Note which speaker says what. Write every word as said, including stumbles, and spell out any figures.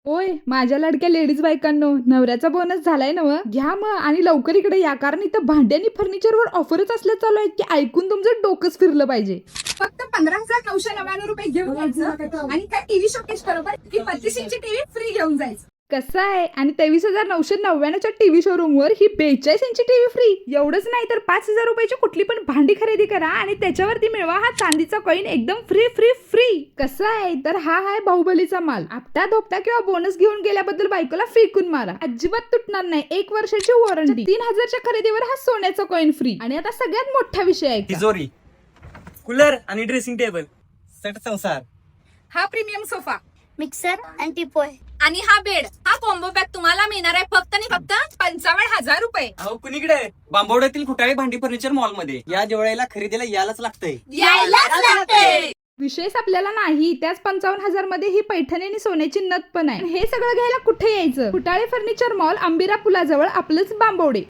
Speaker 1: ओय माझ्या लाडक्या लेडीज बायकांनो, नवऱ्याचा बोनस झालाय ना व घ्या मग आणि लवकर इकडे या, कारण इथं भांडी आणि फर्निचरवर ऑफरच असल्या चालू आहेत की ऐकून तुमचं डोकंच फिरलं पाहिजे.
Speaker 2: फक्त पंधरा हजार नऊशे नव्याण्णव रुपये घेऊन यायचं आणि काय टीव्ही शोकेस बरोबर की पस्तीस इंची टीव्ही फ्री घेऊन जायचं.
Speaker 1: कसं आहे, आणि तेवीस हजार नऊशे नव्याण्णवच्या टीव्ही शोरूम वर ही बेचाळीस इंची टीव्ही फ्री. एवढंच नाही तर पाच हजार रुपयाची कुठली पण भांडी खरेदी करा आणि त्याच्यावरती मिळवा हा चांदीचा कॉईन एकदम फ्री फ्री फ्री. कसं आहे तर हा आहे बाहुबलीचा माल. आपटा धोपटा किंवा बोनस घेऊन गेल्याबद्दल बायकोला फेकून मारा, अजिबात तुटणार नाही. एक वर्षाची वॉरंटी. तीन हजारच्या खरेदीवर हा सोन्याचा कॉईन फ्री. आणि आता सगळ्यात मोठा विषय आहे
Speaker 3: तिजोरी, कूलर आणि ड्रेसिंग टेबल सेट संसार.
Speaker 2: हा प्रीमियम सोफा
Speaker 4: मिक्सर आणि टिपोय
Speaker 2: आणि हा बेड. हा कॉम्बो पॅक तुम्हाला मिळणार आहे फक्त आणि फक्त पंचावन्न हजार रुपये.
Speaker 3: अहो कुणीकडे? बांबवड्यातील खुटाळे भांडी फर्निचर मॉल मध्ये या दिवाळीला खरेदीला यायलाच लागतंय.
Speaker 2: यायलाच लागते.
Speaker 1: विशेष आपल्याला नाही, त्याच पंचावन्न हजार मध्ये ही पैठणी आणि सोन्याची नथ पण आहे. हे सगळं घ्यायला कुठे यायचं? खुटाळे फर्निचर मॉल, अंबिरा पुलाजवळ, आपलंच बांबवडे.